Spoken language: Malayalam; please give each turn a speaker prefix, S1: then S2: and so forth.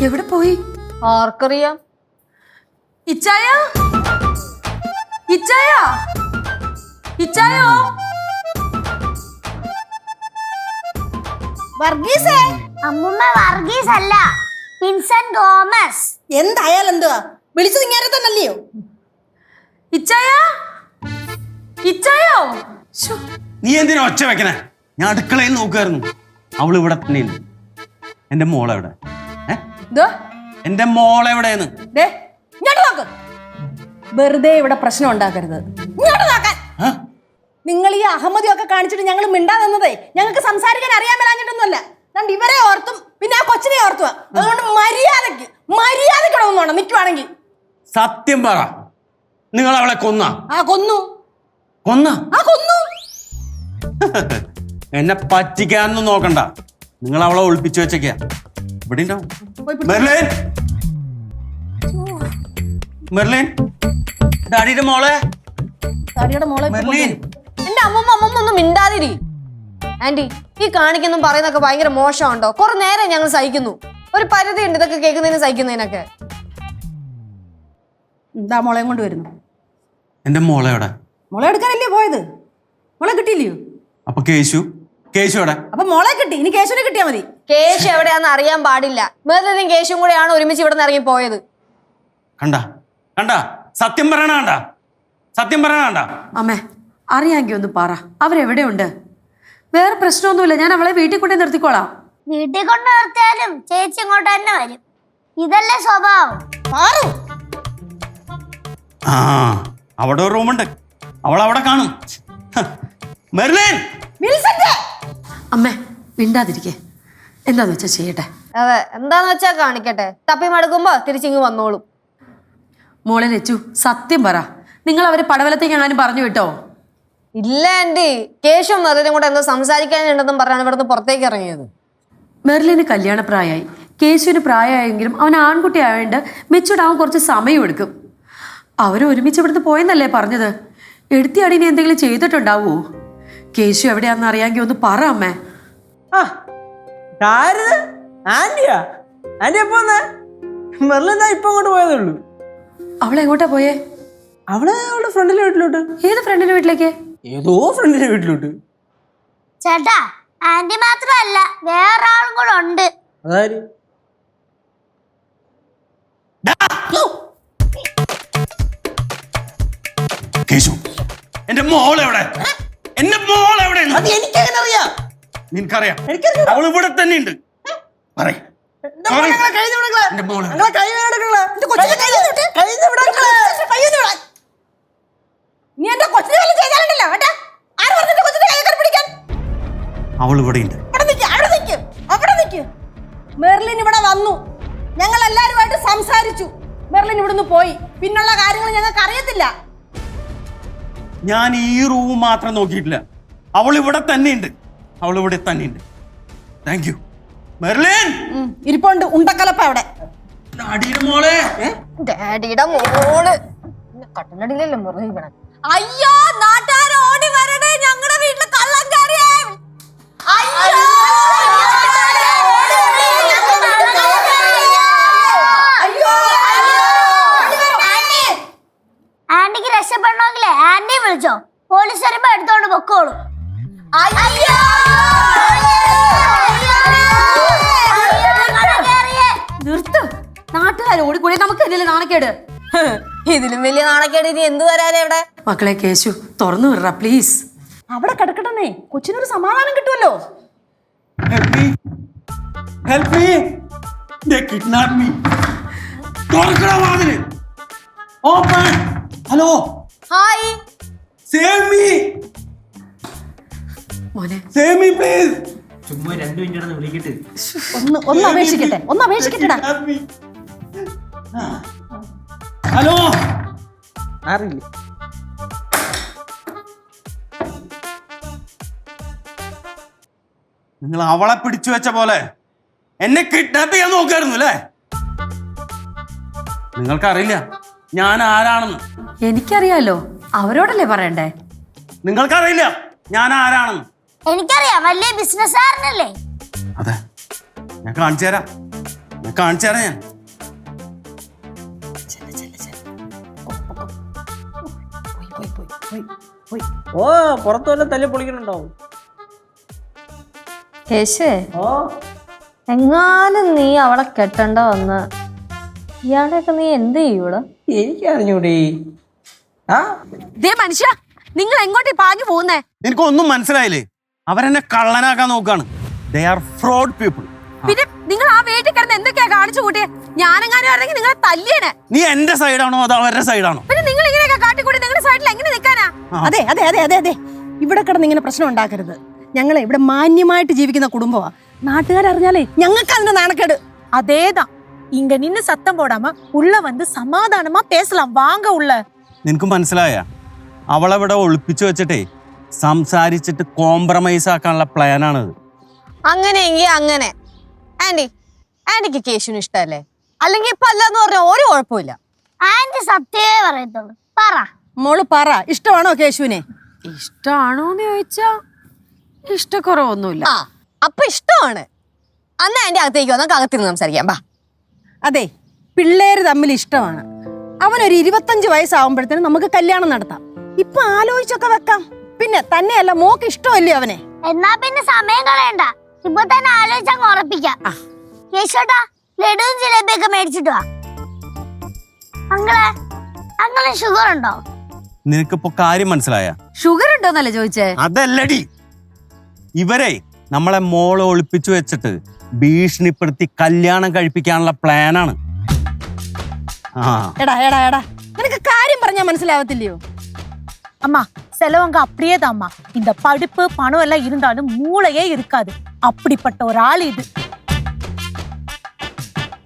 S1: എവിടെ പോയി?
S2: ആർക്കറിയാം?
S1: ഇച്ചായ, ഇച്ചായ, ഇച്ചായോ?
S3: വർഗീസേ, അമ്മുമ്മ വർഗീസ് അല്ല, വിൻസെന്റ് തോമസ്.
S4: എന്തായാലും എന്തുവാ വിളിച്ചത് ഇങ്ങനെ തന്നെയല്ലയോ?
S1: ഇച്ചായ, ഇച്ചായോ?
S5: നീ എന്തിനാ ഒച്ച വെക്കണേ? ഞാൻ അടുക്കളയിൽ നോക്കുമായിരുന്നു. അവൾ ഇവിടെ തന്നെയുണ്ട്. എന്റെ മോളെവിടെ? എന്റെ മോളെവിടെയെന്ന്
S4: വെറുതെ ഇവിടെ പ്രശ്നം ഉണ്ടാക്കരുത്. ഇങ്ങോട്ട് നോക്കാൻ. നിങ്ങൾ ഈ അഹമ്മദിയൊക്കെ കാണിച്ചിട്ട് ഞങ്ങൾ മിണ്ടാ നിന്നതേ ഞങ്ങൾക്ക് സംസാരിക്കാൻ അറിയാൻ മേലാഞ്ഞിട്ടൊന്നുമല്ല. അതുകൊണ്ട് ഇവരെ ഓർത്തും പിന്നെ ആ കൊച്ചിനെ ഓർത്തുക. അതുകൊണ്ട് മര്യാദയ്ക്ക് വേണം നിൽക്കുവാണെങ്കിൽ.
S5: സത്യം പറ, നിങ്ങൾ അവളെ കൊന്ന?
S4: കൊന്നു.
S5: എന്നെ പറ്റിക്കാനൊന്നും നോക്കണ്ട. നിങ്ങൾ അവളെ ഒളിപ്പിച്ചു വെച്ചേക്ക. ഇവിടെ ഉണ്ടാവും. മെർലിൻ, മെർലിൻ, ഡാഡിയുടെ മോളെ. മെർലിൻ,
S2: എന്റെ അമ്മമ്മ ഒന്നും മിണ്ടാതിരി. ആന്റി, ഈ കാണിക്കൊന്നും പറയുന്നൊക്കെ ഭയങ്കര മോശമുണ്ടോ? കുറെ നേരം ഞങ്ങൾ സഹിക്കുന്നു. ഒരു പരിധി ഉണ്ട് ഇതൊക്കെ കേൾക്കുന്നതിന് സഹിക്കുന്നതിനൊക്കെ.
S4: എന്താ മോളെയും കൊണ്ട് വരുന്നു?
S5: എന്റെ മോളെ എവിടെ?
S4: മോളെ എടുക്കാനല്ലേ പോയത്? മോളെ കിട്ടിയില്ലയോ?
S5: അപ്പൊ കേശു എവിടെ?
S4: അപ്പൊ മോളെ കിട്ടി, ഇനി കേശുവിനെ കിട്ടിയാ മതി.
S2: കേശു എവിടെയാന്ന് അറിയാൻ പാടില്ല. മെർലിനും കേശും കൂടെയാണ് ഒരുമിച്ച് ഇവിടെ നിന്ന് ഇറങ്ങി പോയത്.
S5: കണ്ട സത്യം പറയണ? സത്യം പറയണ?
S1: അമ്മേ, അറിയാമെങ്കിൽ ഒന്ന് പറ, അവരെവിടെയുണ്ട്? വേറെ പ്രശ്നമൊന്നുമില്ല, ഞാൻ അവളെ വീട്ടിൽ കൊണ്ടേ നിർത്തിക്കോളാം.
S3: വീട്ടിൽ കൊണ്ട് നിർത്തിയാലും ചേച്ചി ഇങ്ങോട്ട് തന്നെ വരും. ഇതല്ലേ സ്വഭാവം.
S5: അവിടെ ഒരു റൂമുണ്ട്, അവൾ അവിടെ കാണും. മെർലിൻ,
S1: അമ്മേ മിണ്ടാതിരിക്കേ, എന്താന്ന് വെച്ചാ ചെയ്യട്ടെ.
S2: അതെ, എന്താന്ന് വെച്ചാ കാണിക്കട്ടെ. തപ്പി മടുക്കുമ്പോ തിരിച്ചിങ്ങ് വന്നോളും.
S1: മോളെ ലച്ചു, സത്യം പറ, നിങ്ങൾ അവരെ പടവലത്തേക്ക് എങ്ങാനും പറഞ്ഞു വിട്ടോ?
S2: ഇല്ല ആന്റി, കേശും മെർലിനും കൂടെ എന്തോ സംസാരിക്കാനുണ്ടെന്നും പറഞ്ഞാണ് ഇവിടുന്ന് പുറത്തേക്ക് ഇറങ്ങിയത്.
S1: മെർലിന് കല്യാണപ്രായമായി, കേശുവിന് പ്രായമായെങ്കിലും അവൻ ആൺകുട്ടി ആയതുകൊണ്ട് മെച്ചൂടാവാൻ കുറച്ച് സമയം എടുക്കും. അവര് ഒരുമിച്ച് ഇവിടുന്ന് പോയെന്നല്ലേ പറഞ്ഞത്? എടുത്തിയാടിനെ എന്തെങ്കിലും ചെയ്തിട്ടുണ്ടാവോ? കേശു എവിടെയാണെന്ന് അറിയാമെങ്കിൽ ഒന്ന് പറ അമ്മേ.
S6: ആന്റിയാ? ആന്റി എപ്പോ വന്നേ? മെർലിൻ ഇപ്പൊ അങ്ങോട്ട് പോയതേ ഉള്ളൂ.
S1: അവളെങ്ങോട്ടാ പോയേ?
S6: അവളുടെ ഫ്രണ്ടിലെ വീട്ടിലോട്ട്.
S1: ഏത് ഫ്രണ്ടിന്റെ വീട്ടിലേക്ക്?
S6: ഏതോ ഫ്രണ്ടിലെ വീട്ടിലോട്ട്.
S3: ചേട്ടാ, ആന്റി മാത്രമല്ല വേറൊരാളും കൂടെ ഉണ്ട്.
S6: അതാര്?
S5: കേശു, എന്റെ മോളെവിടെ? എന്റെ മോളെവിടെ?
S6: എനിക്കെങ്ങനെ അറിയാം?
S5: നിനക്കറിയാം? അവൾ ഇവിടെ തന്നെ ഉണ്ട്. അവൾ ഇവിടെ ഉണ്ട്.
S4: മെർലിൻ ഇവിടെ വന്നു, ഞങ്ങൾ എല്ലാരുമായിട്ട് സംസാരിച്ചു. മെർലിൻ ഇവിടുന്ന് പോയി, പിന്നുള്ള കാര്യങ്ങൾ ഞങ്ങൾക്ക് അറിയത്തില്ല.
S5: ഞാൻ ഈ റൂം മാത്രം നോക്കിയിട്ടില്ല, അവൾ ഇവിടെ തന്നെയുണ്ട്. Thank you Merlin.
S4: ഇരിപ്പുണ്ട് ഉണ്ടക്കലപ്പ അവിടെ.
S5: ഡാഡിയുടെ മോളെ.
S2: ഡാഡിയുടെ മോള് കട്ടിലടിയിലല്ലേ മുറിയിക്കണേ.
S4: അയ്യോ, നാട്ടുകാർ ഓടി വരണേ, ഞങ്ങളുടെ വീട്ടില് കള്ളം കയറിയേ.
S3: ആന്റിക്ക് രക്ഷപ്പെടണമെങ്കിലേ ആന്റി വിളിച്ചോ, പോലീസ് വരുമ്പോ എടുത്തോണ്ട് പൊക്കോളൂ.
S1: നിർത്തും, നാട്ടുകാർ ഓടിക്കൂടെ, നമുക്ക് എന്തെങ്കിലും നാണക്കേട്.
S2: ഇതിലും വലിയ നാണക്കേട് ഇനി എന്ത് വരാനേ ഇവിടെ.
S1: മക്കളെ കേശു, തുറന്നു വിടറ പ്ലീസ്.
S4: അവിടെ കിടക്കട്ടെന്നേ, കൊച്ചിനൊരു സമാധാനം കിട്ടുമല്ലോ.
S5: Help me. They kidnapped me. തുറക്കടാ വാതില്. Open. Hello.
S2: Hi.
S5: Save me.
S1: മോനെ,
S5: Save me please.
S6: ചുമ്മാ 2 മിനിറ്റ് വിളിക്കട്ടെ.
S4: ഒന്ന് അപേക്ഷിക്കട്ടെടാ.
S5: ഹലോ.
S6: അറിയില്ല.
S5: നിങ്ങൾ അവളെ പിടിച്ചു വെച്ച പോലെ എന്നെ കിഡ്നാപ്പ് ചെയ്യാൻ നോക്കായിരുന്നു അല്ലേ? നിങ്ങൾക്കറിയില്ല ഞാൻ ആരാണെന്ന്.
S1: എനിക്കറിയാലോ, അവരോടല്ലേ പറയണ്ടേ?
S5: നിങ്ങൾക്കറിയില്ല ഞാൻ
S3: എനിക്കറിയാം, വലിയ ബിസിനസ്സുകാരനല്ലേ?
S5: അതെ, ഞാൻ കാണിച്ചു തരാം. കാണിച്ചു തരാം ഞാൻ.
S6: ഓ പുറത്തു വല്ല തല്ലി പൊളിക്കണുണ്ടാവും.
S2: കേശുവേ
S6: ഓ
S2: എങ്ങാനും നീ അവളെ കെട്ടണ്ട വന്ന് ഇയാളെയൊക്കെ നീ എന്ത് ചെയ്യൂടാ?
S6: എനിക്ക് അറിഞ്ഞൂടി. ആ
S1: ദേ മനുഷ്യ, നിങ്ങൾ എങ്ങോട്ടേ പാഞ്ഞു പോകുന്നേ?
S5: നിനക്കൊന്നും മനസ്സിലായില്ലേ? അവരെന്നെ കള്ളനാക്കാൻ നോക്കാണ്. They are fraud people.
S1: പിന്നെ നിങ്ങൾ ആ വീട്ടിൽ കിടന്ന് എന്തൊക്കെയാ കാണിച്ചു കൂട്ടിയെ? ഞാനെങ്ങാനും ആണെങ്കിൽ നിങ്ങളെ തല്ലിയേനെ.
S5: നീ എന്റെ സൈഡാണോ അതോ അവരുടെ സൈഡാണോ?
S1: പിന്നെ നിങ്ങൾ ഇങ്ങനെയൊക്കെ കാട്ടിക്കൂടി നിങ്ങളുടെ സൈഡിൽ എങ്ങനെ നിൽക്കാനാ?
S4: അതെ അതെ അതെ അതെ അതെ ഇവിടെ കിടന്ന് ഇങ്ങനെ പ്രശ്നം ഉണ്ടാക്കരുത്. ഞങ്ങളെ ഇവിടെ മാന്യമായിട്ട് ജീവിക്കുന്ന കുടുംബമാ. നാട്ടുകാരറിഞ്ഞാലേ ഞങ്ങൾക്ക് അതിന്റെ നാണക്കേട്.
S7: அதேதான். இங்க நின்னு சத்தம் போடாம உள்ள வந்து சமாதானமா பேசலாம். வாங்க உள்ள.
S5: നിനക്ക് മനസ്സിലായ? അവളവിടെ ഒളിപ്പിച്ചു വെച്ചിട്ടേ സംസാരിച്ചിട്ട് കോംപ്രമൈസ് ആക്കാനുള്ള പ്ലാനാണത്.
S2: അങ്ങനെയെങ്കിൽ അങ്ങനെ. ആന്റിക്ക് കേശുവിന് ഇഷ്ടമല്ലേ? അല്ലെങ്കിൽ ഇപ്പൊ അല്ലാന്ന് പറഞ്ഞാൽ ഒരു കുഴപ്പമില്ല.
S3: ആന്റി സത്യമേ പറയത്തുള്ളൂ. പറ.
S4: മോള് പറ, ഇഷ്ടമാണോ കേശുവിനെ?
S1: ഇഷ്ടമാണോന്ന് ചോദിച്ചാ ഇഷ്ടക്കുറവൊന്നുമില്ല.
S2: ആ അപ്പൊ ഇഷ്ടമാണ്. അന്ന് ആന്റി അകത്തേക്ക് വന്നാൽ അകത്തിരുന്ന് സംസാരിക്കാം. ബാ.
S4: അതെ, പിള്ളേര് തമ്മിൽ ഇഷ്ടമാണ്. അവനൊരു 25 വയസ്സാവുമ്പോഴത്തേനും നമുക്ക് കല്യാണം നടത്താം. ഇപ്പൊ ആലോചിച്ചൊക്കെ വെക്കാം. പിന്നെ തന്നെയല്ല, മോക്ക് ഇഷ്ടമല്ലേ അവനെ?
S3: എന്നാ പിന്നെ സമയം കളയണ്ട, ഇപ്പൊ തന്നെ ആലോചിച്ചങ്ങ് ഉറപ്പിക്കാം. കേശോട്ടാ, ലഡുവും ജിലേബിയൊക്കെ മേടിച്ചിട്ട് വാ. അങ്ങളെ ഷുഗർ ഉണ്ടോ?
S5: നിനക്കിപ്പോ കാര്യം മനസ്സിലായ?
S1: ഷുഗർ ഉണ്ടോന്നല്ലേ ചോദിച്ചേ?
S5: അതല്ലടി, ഇവരെ നമ്മളെ മോളെ ഒളിപ്പിച്ചു വെച്ചിട്ട് ഭീഷണിപ്പെടുത്തി കല്യാണം കഴിപ്പിക്കാനുള്ള പ്ലാനാണ്.
S4: എടാ എടാ എടാ, നിനക്ക് കാര്യം പറഞ്ഞാൽ മനസ്സിലാവത്തില്ലയോ?
S7: அம்மா செலவங்க அப்படியே தான்மா. இந்த படிப்பு பணம் எல்லாம் இருந்தாலும் மூளையே இருக்காது. அப்படிப்பட்ட ஒரு ஆள் இது.